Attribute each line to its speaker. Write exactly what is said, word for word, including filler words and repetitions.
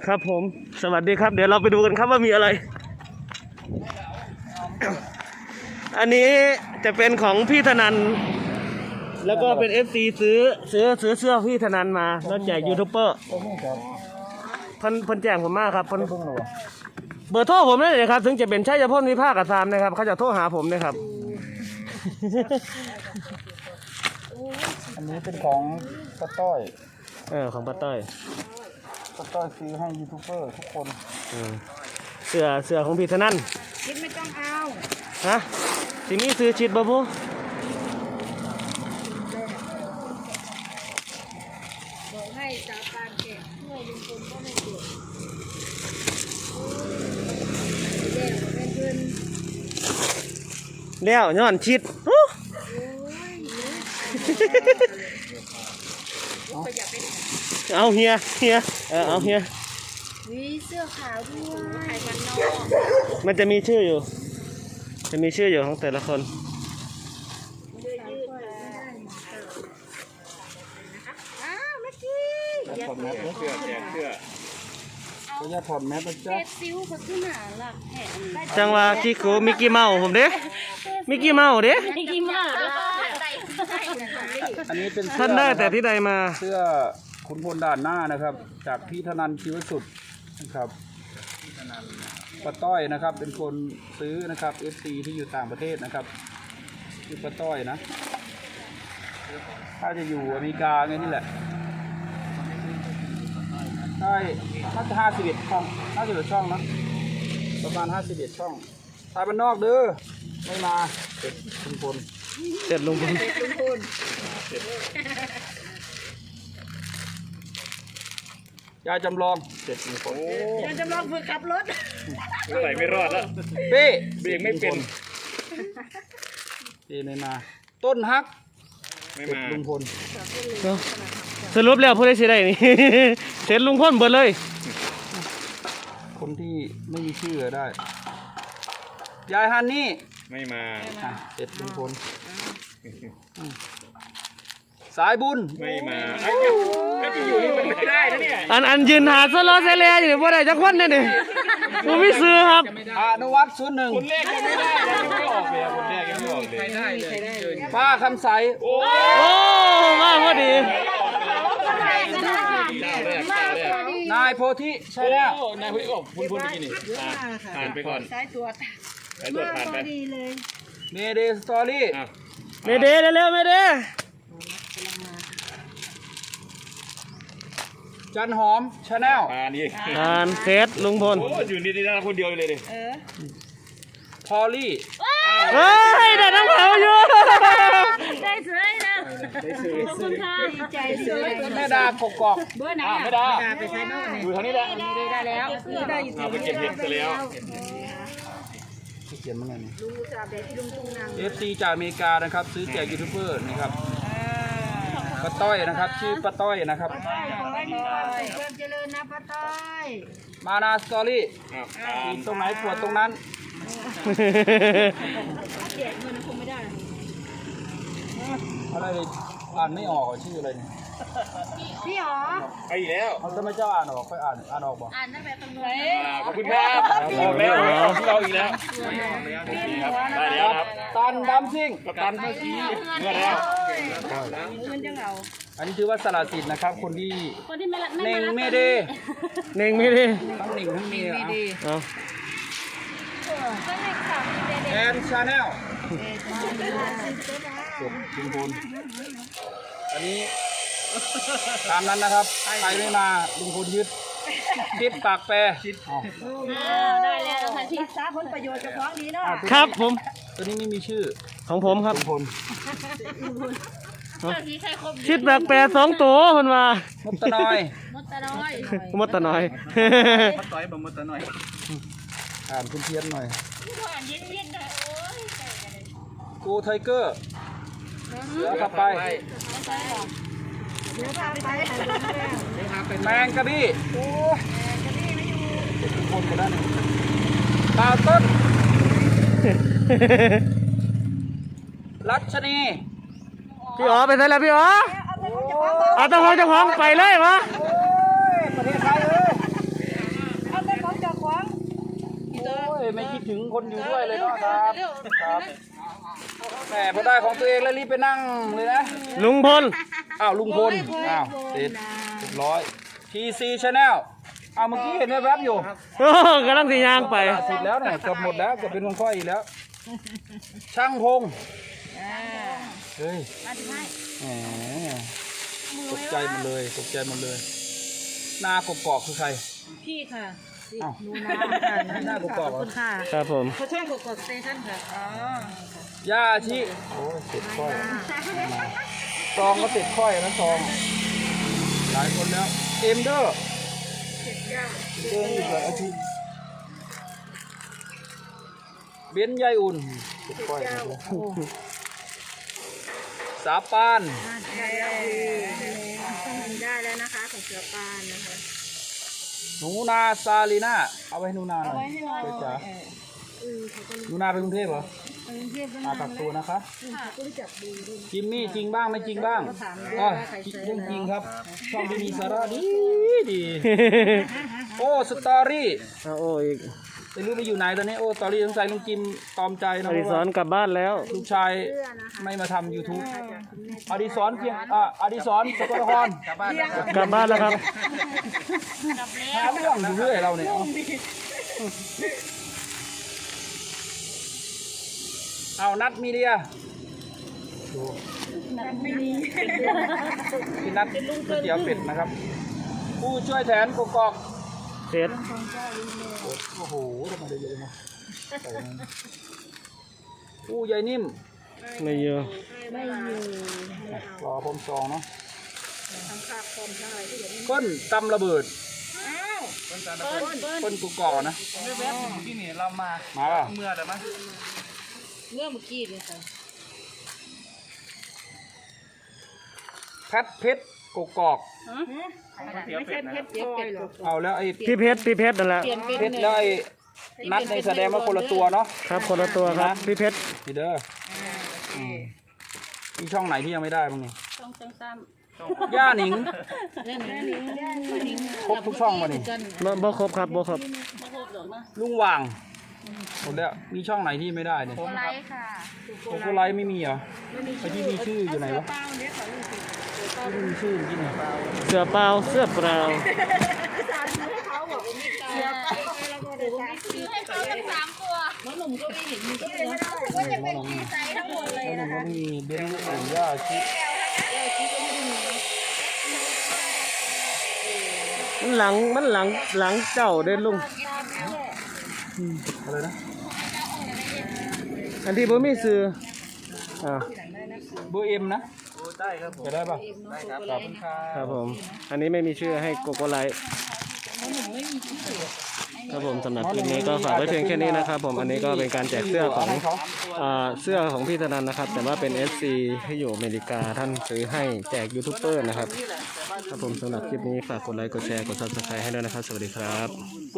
Speaker 1: ครับผมสวัสดีครับเดี๋ยวเราไปดูกันครับว่ามีอะไรอันนี้จะเป็นของพี่ธนันแล้วก็เป็น เอฟ ซี ซื้อซื้อซื้อเสื้อพี่ธนันมาแล้วแจกยูทูบเบอร์เพิ่นเพิ่นแจ้งผมมากครับเพิ่นเบอร์โทรผมนี่เลยครับถึงจะเป็นชัยพลวิภาคกับซามนะครับเขาจะโทรหาผมนะครับ
Speaker 2: อันนี้เป็นของป้าต้อย
Speaker 1: เออของป้าต้อย
Speaker 2: ป้าต้อยซื้อให้ยูทูบเบอร์ทุกคน
Speaker 1: เสื้อเสื้อของพี่ธนัน
Speaker 3: ชิดไม่ต้องเอา
Speaker 1: ฮะสิมีซื้อชิดบ่พู
Speaker 3: บอกให้จากการแกะช่วยลุงพลก็ไม่เก็บ
Speaker 1: เลี้ยวย้อนชิดเอาเฮียเฮียเออเอาเฮีย
Speaker 3: วิเสื้อขาวด้วยไข่มันนอก
Speaker 1: มันจะมีชื่ออยู่จะมีชื่ออยู่ของแต่ละคน
Speaker 3: อ้าวเมื่อกี้
Speaker 2: ถอดแมสเสื้อแจกเสื้อเขาจะถอดแมสนะจ๊ะ
Speaker 3: ซิวเขาขึ้นหนาหลักแผง
Speaker 1: จังว่ากิ๊กกูมิกกี้เมาส์ผมเด้มิกกี้เมาส์เด้
Speaker 3: มิกกี้เมาส์
Speaker 2: อันนี้เป็น
Speaker 1: ท่านได้แต่ที่ใดมา
Speaker 2: เสื้อขุนพลด่านหน้านะครับจากพี่ธนันชีวสุดนะครับป้าต้อยนะครับเป็นคนซื้อนะครับ เอฟ ซี ที่อยู่ต่างประเทศนะครับคือป้าต้อยนะถ้าจะอยู่อเมริกาไงนี่แหละใช่น่าจะห้าสิบเอ็ดช่องห้าสิบเอ็ดช่องนะประมาณห้าสิบเอ็ดช่องทายบ้านนอกเด้อไม่มาเสร็จลุงพล
Speaker 1: เสร็จลุงพล
Speaker 2: ยายจำลองเสร็จลุงพล
Speaker 3: ยายจำลองฝึกขับรถ
Speaker 4: ใส่ไม่รอดแล้ว
Speaker 2: เป้
Speaker 4: เบรกไม่เป็น
Speaker 2: เป้ไม่มาต้นฮัก
Speaker 4: ไม่มา
Speaker 2: ลุงพล
Speaker 1: สรุปแล้วผู้ใดสิได้นี่เสร็จลุงพลเบิดเลย
Speaker 2: คนที่ไม่มีชื่อได้ยายฮันนี่
Speaker 4: ไม่มา
Speaker 2: เสร็จลุงพลสายบุญ
Speaker 4: ไม่มาก็จะอยู่นี่มันไม่ได้นะเนี่ย
Speaker 1: อันอันยืนหาสโลเซเลียอยู่นี่บ่ได้จักคนเนี่ยนี่ผมไม่ซื้อครับ
Speaker 2: อนุวัฒน์ศูนย์หนึ่ง
Speaker 4: คนแรกยังไม่ได้ยังไม่ออกเลยคนแรกยังไม่ออกเลย
Speaker 2: ใครได้เลยป้าคำใส
Speaker 1: โอ้มาพอดี
Speaker 2: นายโพธิใช่แล้ว
Speaker 4: นายโพธิออกพุ่นพุ่นกินนี่ผ่านไปก่อน
Speaker 3: สายตรวจ
Speaker 4: สายตรวจผ่านไป
Speaker 2: เมเดสตอรี่
Speaker 1: เมเดเร็วๆเมเด
Speaker 2: จันหอมชาแนล
Speaker 4: อ่านี่
Speaker 1: อ่านเฟซลุงพล
Speaker 4: โอ้อยู่นี่ได้คนเดียวเลยดิ
Speaker 2: พอลลี่
Speaker 1: เฮ้ยได้น้ำเขาอยู่
Speaker 3: ได้เฉยนะขอบคุณค่ะดีใจเลย
Speaker 2: แม่ดากกอก
Speaker 3: เบอร์ไหนอ่ะ
Speaker 4: ไม่ได้
Speaker 3: ไปใช้นอก
Speaker 4: อยู่ทางนี้แหละ
Speaker 3: ได้แล้วได้อยู่
Speaker 4: เอาไปเก็บเห็ดไปแล้ว
Speaker 2: เขียนมาไงนี่
Speaker 3: ลุงจ่าเบที่ลุงตุ้งนาง
Speaker 2: เอฟซีจากอเมริกานะครับซื้อแจกยูทูบเบอร์นะครับป้าต้อยนะครับชื่อป้าต้อยนะครับ
Speaker 3: ป้าต้อยเริ่มเจริญนะป้าต้อย
Speaker 2: มานาสตอรี่ตรงไหนปวดตรงนั้น
Speaker 3: เจ็บมันคงไม่ได้
Speaker 2: อะไรเลยอ่านไม่ออกชื่ออะไรเนี่ย
Speaker 3: พี่หรอ
Speaker 4: ไปอีกแล้ว
Speaker 2: เขาจะไม่เจ้าอ่านออกค่อยอ่านอ่านออกบ่
Speaker 3: อ่านตั้งแต่ตรงนู้น
Speaker 4: ขอบคุณครับออกแล้วเราอีกแล้วได้แล้วครับ
Speaker 2: ตันดำซิ่ง
Speaker 4: ตันเมื่อกี้เมื่อแล้ว
Speaker 3: มันจะเหงา
Speaker 2: อันนี้ถือว่าสละสิทธิ์นะครับคนที่
Speaker 3: คนที่ไม่รัก
Speaker 2: เน่งไม่ดี
Speaker 1: เน่งไม่ดี
Speaker 2: ทั้งเน่งทั้งเน่ง
Speaker 1: เอา
Speaker 2: แอนชาแนลจบลุงพลอันนี้ตามนั้นนะครับใครไม่มาลุงพลยึดชิดปากแปรชิด
Speaker 3: ได้แล้วค่ะชิดสาผลประโยชน์จากของดีเนาะ
Speaker 1: ครับผม
Speaker 2: ตัวนี้ไม่มีชื่อ
Speaker 1: ของผมครับ
Speaker 2: ลุงพล
Speaker 1: ชิดปากแปรสองตัวคนมาม
Speaker 2: ดตะนอย
Speaker 3: มดตะน้อย
Speaker 1: มดตะน้อย
Speaker 4: มดต้อยบ่มดตะน้อย
Speaker 2: อ่านคุณเทียนหน่อยกูไทเกอร์เสือขับไปแมงกะบี้โอ้ยทุกคนก็ได้ตาต้นรัชนี
Speaker 1: พี่อ๋อไปไหนแล้วพี่อ๋อเอาต้องห้องเจ้าของไปเลยวะ
Speaker 2: ประเทศไทยเลยถึงคนอยู่ด้วยเลยเนาะครับครับแหมพอได้ของตัวเองแล้วรีบไปนั่งเลยนะ
Speaker 1: ลุงพล
Speaker 2: อ้าวลุงพลอ้าวติดเรียบร้อย ที ซี Channel อ้าวเมื่อกี้เห็นแวบๆอยู่
Speaker 1: โอ้กำลังสียางไป
Speaker 2: ติดแล้วเนี่ยเกือบหมดแล้วเกือบเป็นคนค่อยอีกแล้ว ช่างพงเฮ้ยแหมตกใจหมดเลยตกใจหมดเลยหน้ากบกอกคือใคร
Speaker 3: พี่ค่ะ
Speaker 2: อ้าว
Speaker 3: หนูนาค่ะ
Speaker 2: หน้ากบกอกเหรอ
Speaker 3: คุณค่ะ
Speaker 1: ครับผม
Speaker 3: เขาช่างกดกดสเตชันค่ะอ๋อย่
Speaker 2: าชิโอ้ยติดค่อยซองก็ติดค่อยนะซองหลายคนแล้วเอ็มเดอร์เดินอยู่กับอาทิตย์เบนซ์ยายอุ่นติดค่อยหมดเลยสาปาน
Speaker 3: ได้แล้วนะคะของเสือปานนะคะ
Speaker 2: หนูนาซาลีน่าเอาไว้ให้หนูนาหน่อยเพื่อจ๋าหนูนาไปกรุงเทพเหรอมากักตัวนะคะจิมมี่จริงบ้างไม่จริงบ้างอ๋อเรื่องจริงครับช่องที่มีสาระดีดีโอ้สตอรี่
Speaker 1: เอาโอ้อีก
Speaker 2: ไม่รู้ไปอยู่ไหนตอนนี้โอ้สตอรี่สงสัยลุงจิมตอมใจ
Speaker 1: อ
Speaker 2: นะ
Speaker 1: ดิ
Speaker 2: เพ
Speaker 1: ศ
Speaker 2: ราะ
Speaker 1: ร
Speaker 2: ว่าก
Speaker 1: ลับบ้านแล้ว
Speaker 2: ลูกชายไม่มาทำ YouTube อดิศรเพียงอ่ะอดิศรสกลนคร
Speaker 1: กลับบ้านแล้วครับ
Speaker 2: หาเรื่องอยู่เรื่อยเราเนี่ยเอานัดมีเดียพี่นัดก๋วยเตี๋ยวเป็ดนะครับ ผู้ช่วยแทนกกอก
Speaker 1: เสร็จ
Speaker 2: โอ้โหทำไมได้เยอะนะใส่มันผู้ใหญ่นิ่ม
Speaker 1: ไม่เยอะ
Speaker 2: รอพรมซองเนาะก้นตำระเบิดก้นกุกอกนะ
Speaker 4: แวบๆที่นี่เรามา
Speaker 2: มาป่ะ
Speaker 4: เมื่อแต่มั้ย
Speaker 3: เมื่อเมื่อกี้เลยค่ะ
Speaker 2: แพทเพชรกกอก
Speaker 3: ไม่ใช่เพชรเปียกเป็ดหรอก
Speaker 2: เอาแล้วไอ้
Speaker 1: พี่เพชรพี่เพชรนั่นแหละ
Speaker 3: เปลี่ยนเป็น
Speaker 2: เพชรแล้วไอ้นัดในแสดงว่าคนละตัวเนาะ
Speaker 1: ครับคนละตัวครับพี่เพชร
Speaker 2: นี่เด้ออืมมีช่องไหนที่ยังไม่ได้บ้างนี่
Speaker 3: ต้องต้องซ้
Speaker 2: ย่าหนิง
Speaker 3: ำเล่นนี้
Speaker 2: ครบทุกช่องมานี่
Speaker 1: บ่บ่ครบครับบ่ครบ
Speaker 2: ลุงหว่างหมดแล้วมีช่องไหนที่ไม่ได้เนี่ย
Speaker 3: ไลค์ค่ะ
Speaker 2: โกโกไลท์ไม่มีเหรอไอ้ที่มีชื่ออยู่ไหนวะที่มีชื่อที่ไหน
Speaker 1: เสื้อเปล่าเสื้อเปล่า
Speaker 3: ซื้อให้เขาทั้งสามตัวน้องหนุ่มก็ไม่เห็นมีก็เลยว่าจะเป็นดีไซน์ทั้งหมดเลย
Speaker 2: แล้วหนึ่งก็มีเบนซ์อุ่นย่าชิ
Speaker 1: มันหลังมันหลังหลังเจ้าเด้ลุง
Speaker 2: อะไรนะ
Speaker 1: อันที่บ่มีซื้ออ่า
Speaker 2: เบอร์เอ็มนะ
Speaker 4: ได้ครับผม
Speaker 2: จะได้ป่ะ
Speaker 4: ได้ครับขอบคุณครับ
Speaker 1: ครับผม อันนี้ไม่มีชื่อให้โกโกไลท์ครับผมสำหรับคลิปนี้ก็ฝากไว้เพียงแค่นี้นะครับผมอันนี้ก็เป็นการแจกเสื้อของอ่าเสื้อของพี่ธนันนะครับ แต่ว่าเป็น เอฟ ซี ที่อยู่อเมริกาท่านซื้อให้แจกยูทูบเบอร์นะครับครับผมสำหรับคลิปนี้ฝากกดไลค์กดแชร์กด ซับสไครบ์ ให้ด้วยนะครับสวัสดีครับ